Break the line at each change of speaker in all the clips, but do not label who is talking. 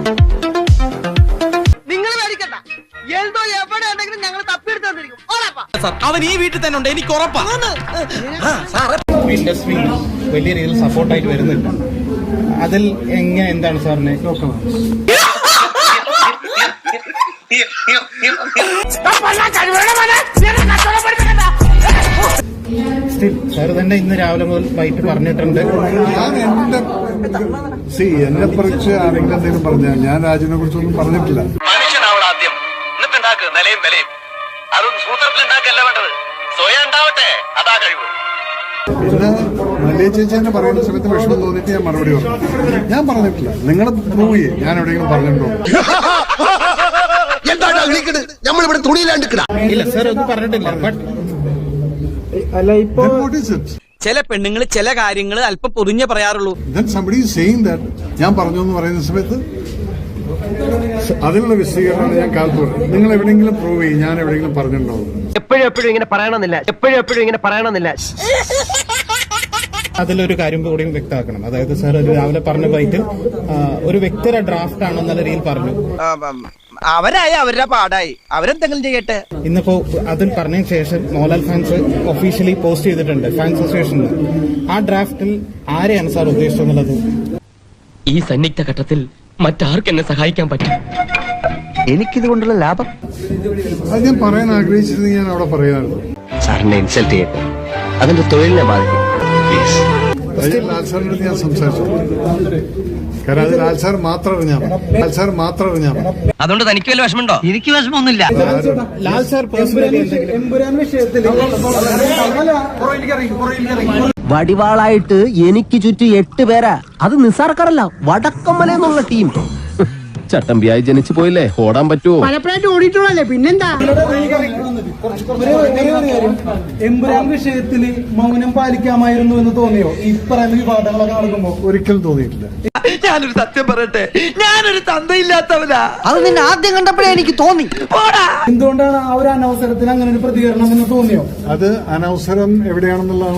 നിങ്ങൾ മേടിക്കണ്ട, എന്തോ എവിടെ ഉണ്ടെങ്കിലും ഞങ്ങൾ തപ്പിയെടുത്ത് തന്നിരിക്കും.
അവൻ ഈ വീട്ടിൽ തന്നെ ഉണ്ട്, എനിക്ക് ഉറപ്പാണ്.
ഇൻഡസ്ട്രി വലിയ രീതിയിൽ സപ്പോർട്ടായിട്ട് വരുന്നുണ്ട്. അതിൽ എന്താണ് സാറിന് സാർ തന്നെ ഇന്ന് രാവിലെ മുതൽ വൈകിട്ട് പറഞ്ഞിട്ടുണ്ട്.
ഞാൻ എന്നെ കുറിച്ച് ആരെങ്കിലും എന്തെങ്കിലും പറഞ്ഞാൽ ഞാൻ രാജുവിനെ കുറിച്ചൊന്നും പറഞ്ഞിട്ടില്ല.
മനുഷ്യനാവണം ആദ്യം, എന്നിട്ടുണ്ടാക്ക് നിലയും വിലയും. അതൊന്നും സൂത്രത്തിലുണ്ടാക്കല്ല വേണ്ടത്, സ്വയം ഉണ്ടാവട്ടെ, അതാ കഴിവ്.
പിന്നെ മല്ലിക ചേച്ചി തന്നെ പറയുന്ന സമയത്ത് വിഷമം തോന്നിയിട്ട് ഞാൻ മറുപടി പറഞ്ഞു. ഞാൻ പറഞ്ഞിട്ടില്ല, നിങ്ങൾ പ്രൂവ് ചെയ്യേ ഞാൻ എവിടെയെങ്കിലും പറഞ്ഞിട്ടുണ്ടോ.
നമ്മളിവിടെ തുണിയിലാണ്ട്
ഇല്ല സാർ ഒന്നും പറഞ്ഞിട്ടില്ല. ബട്ട്
അല്ല ഇപ്പൊ
ചില പെണ്ണുങ്ങൾ ചില കാര്യങ്ങൾ അല്പം പൊറിഞ്ഞേ പറയാറുള്ളൂ.
ഞാൻ പറഞ്ഞു എന്ന് പറയുന്ന സമയത്ത് അതിനുള്ള വിശദീകരണമാണ് ഞാൻ കാലത്ത് പറഞ്ഞത്. നിങ്ങൾ എവിടെയെങ്കിലും പ്രൂവ് ചെയ്യും ഞാൻ എവിടെയെങ്കിലും പറഞ്ഞിട്ടുണ്ടോ.
എപ്പോഴും ഇങ്ങനെ പറയണമെന്നില്ല.
അതിലൊരു കാര്യം കൂടിയും വ്യക്തമാക്കണം. അതായത് സാർ ഒരു രാവിലെ പറഞ്ഞ ബൈറ്റിൽ ഒരു വ്യക്തിയുടെ ഡ്രാഫ്റ്റ് ആണെന്നുള്ള രീതിയിൽ പറഞ്ഞു.
അവരായി അവരുടെ പാടായി, അവരെന്തെങ്കിലും ചെയ്യട്ടെ.
ഇന്നിപ്പോ അതിൽ പറഞ്ഞതിന് ശേഷം മോഹൻലാൽ ഫാൻസ് ഒഫീഷ്യലി പോസ്റ്റ് ചെയ്തിട്ടുണ്ട് ഫാൻസ് അസോസിയേഷനിൽ. ആ ഡ്രാഫ്റ്റിൽ ആരെയാണ് സാർ ഉദ്ദേശിച്ചെന്നുള്ളത്?
ഈ സന്നിഗ്ധ ഘട്ടത്തിൽ മറ്റാർക്കും എന്നെ സഹായിക്കാൻ പറ്റും?
എനിക്കിതുകൊണ്ടുള്ള ലാഭം
അത് ഞാൻ പറയാൻ ആഗ്രഹിച്ചത് ഞാൻ അവിടെ പറയാറുണ്ട്.
സാറിനെ ഇൻസൾട്ട് ചെയ്യട്ടെ, അതിന്റെ തൊഴിലിനെ ബാധിക്കും.
ലാൽ സാറിന്റെ അടുത്ത് ഞാൻ സംസാരിച്ചു. കാരണം അത് ലാൽ സാർ മാത്രം അറിഞ്ഞാൽ
അതുകൊണ്ട് തനിക്ക് വല്ല വിഷമമുണ്ടോ? എനിക്ക് വിഷമമൊന്നുമില്ല.
ലാൽ സാർ
വടിവാളായിട്ട് എനിക്ക് ചുറ്റും 8 പേരാ. അത് നിസ്സാർക്കാരല്ല, വടക്കമ്മലെന്നുള്ള ടീം. ചട്ടമ്പിയായി ജനിച്ചു പോയില്ലേ, ഓടാൻ പറ്റുമോ?
പലപ്പോഴായിട്ട് ഓടിയിട്ടുള്ളല്ലേ, പിന്നെന്താ.
എമ്പുരാൻ വിഷയത്തില് മൗനം പാലിക്കാമായിരുന്നു എന്ന് തോന്നിയോ ഈ പറയുന്ന വിവാദങ്ങളൊക്കെ നടക്കുമ്പോ?
ഒരിക്കലും തോന്നിയിട്ടില്ല.
ഞാനൊരു സത്യം പറയട്ടെ, ഞാനൊരു തന്തയില്ലാത്തവനാ.
അത് നിന്നെ ആദ്യം കണ്ടപ്പോഴേ എനിക്ക് തോന്നി.
എന്തുകൊണ്ടാണ് ആ ഒരു അനവസരത്തിൽ അങ്ങനെ ഒരു പ്രതികരണം എന്ന് തോന്നിയോ?
അത് അനവസരം എവിടെയാണെന്നുള്ളതാണ്.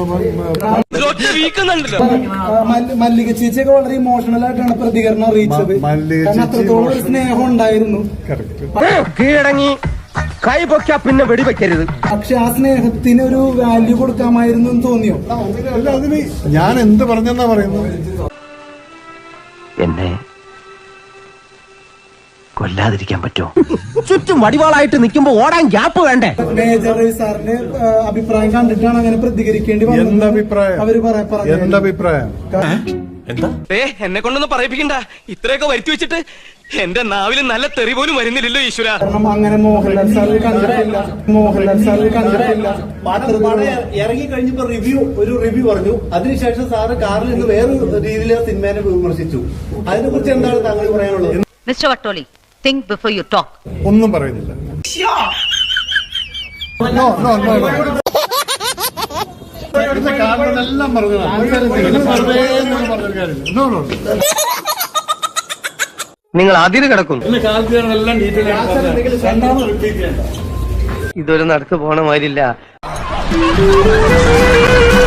മല്ലിക ചേച്ചിയൊക്കെ വളരെ ഇമോഷണൽ ആയിട്ടാണ് പ്രതികരണം അറിയിച്ചത്. അത്രത്തോളം ഒരു സ്നേഹം ഉണ്ടായിരുന്നു.
കീഴടങ്ങി കൈ പൊക്കാ പിന്നെ വെടിവെക്കരുത്.
പക്ഷെ ആ സ്നേഹത്തിന് ഒരു വാല്യൂ കൊടുക്കാമായിരുന്നു എന്ന് തോന്നിയോ?
അല്ല, അതിന് ഞാൻ എന്ത് പറഞ്ഞെന്നാ പറയുന്നത്?
എന്നെ കൊല്ലാതിരിക്കാൻ പറ്റുമോ?
ചുറ്റും വടിവാളായിട്ട് നിൽക്കുമ്പോ ഓടാൻ ഗ്യാപ്പ് വേണ്ടേ?
മേജർ രവി സാറിന്റെ അഭിപ്രായം കണ്ടിട്ടാണ് അങ്ങനെ പ്രതികരിക്കേണ്ടി വന്നത്.
എന്തഭിപ്രായം?
എന്നെ കൊണ്ടൊന്നും പറയിപ്പിക്കണ്ട. ഇത്രയൊക്കെ വരുത്തി വെച്ചിട്ട് എന്റെ നാവില് നല്ല തെറി പോലും വരുന്നില്ലല്ലോ ഈശ്വര.
അങ്ങനെ മോഹൻലാൽ സാറിൽ കണ്ടിട്ടില്ല.
ഇറങ്ങി കഴിഞ്ഞപ്പോ റിവ്യൂ പറഞ്ഞു. അതിനുശേഷം സാറ് കാറിൽ നിന്ന് വേറെ രീതിയിൽ സിനിമേനെ വിമർശിച്ചു. അതിനെ കുറിച്ച് എന്താണ് താങ്കൾ പറയാനുള്ളത്?
Mister Vattoli, think before you talk.
ഒന്നും പറയുന്നില്ല. എല്ലാം പറഞ്ഞു.
നിങ്ങൾ അതിര് കിടക്കുന്നു. ഇതൊരു നടക്ക് പോണ മാതിരില്ല.